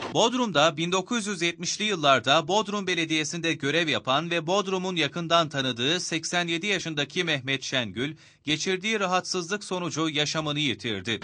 Bodrum'da 1970'li yıllarda Bodrum Belediyesi'nde görev yapan ve Bodrum'un yakından tanıdığı 87 yaşındaki Mehmet Şengül, geçirdiği rahatsızlık sonucu yaşamını yitirdi.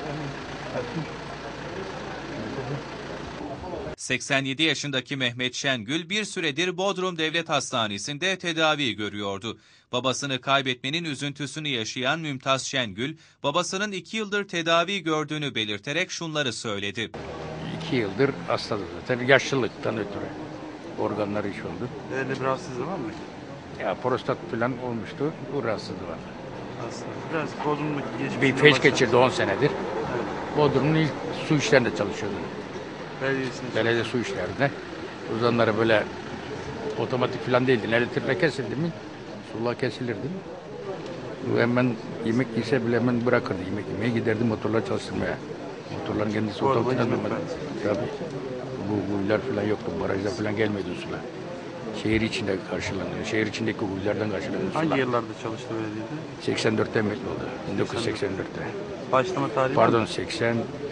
87 yaşındaki Mehmet Şengül bir süredir Bodrum Devlet Hastanesi'nde tedavi görüyordu. Babasını kaybetmenin üzüntüsünü yaşayan Mümtaz Şengül, babasının 2 yıldır tedavi gördüğünü belirterek şunları söyledi. 2 yıldır hastadır zaten. Yaşlılıktan ötürü organları iş oldu. Öyle bir rahatsızlığı var mı? Ya prostat falan olmuştu. Bu rahatsızlığı var. Aslında biraz Bodrum'daki geçmişine Bir feş geçirdi 10 senedir. Bodrum'un ilk su işlerinde çalışıyordu. Belediye su işlerinde. Uzanları böyle otomatik falan değildi. Elektrikle kesildi mi? Sular kesilirdi. Bu hemen yemek yese bile hemen bırakırdı. Yemek yemeye giderdi motorlar çalıştırmaya. Motorların kendisi otomatik alınmadı. Tabii. Bu kuyular falan yoktu. Barajda falan gelmedi sular. Şehir içinde karşılanıyor. Şehir içindeki kuyulardan karşılanıyor sular. Hangi yıllarda çalıştı belediyede? 84'te emekli oldu. 1984'te. Başlama tarihi Pardon 87'de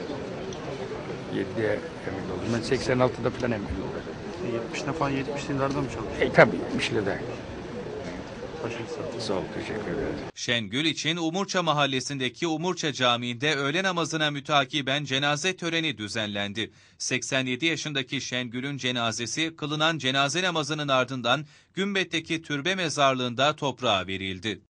emekli oldum. Ben 86'da falan emekli oldum. 70'te falan 70'li yıllarda mı çalıştı? Tabii 70'de. Başarılı. Sağ ol, teşekkür ederim. Şengül için Umurça Mahallesi'ndeki Umurça Camii'nde öğle namazına mütakiben cenaze töreni düzenlendi. 87 yaşındaki Şengül'ün cenazesi kılınan cenaze namazının ardından Gümbet'teki türbe mezarlığında toprağa verildi.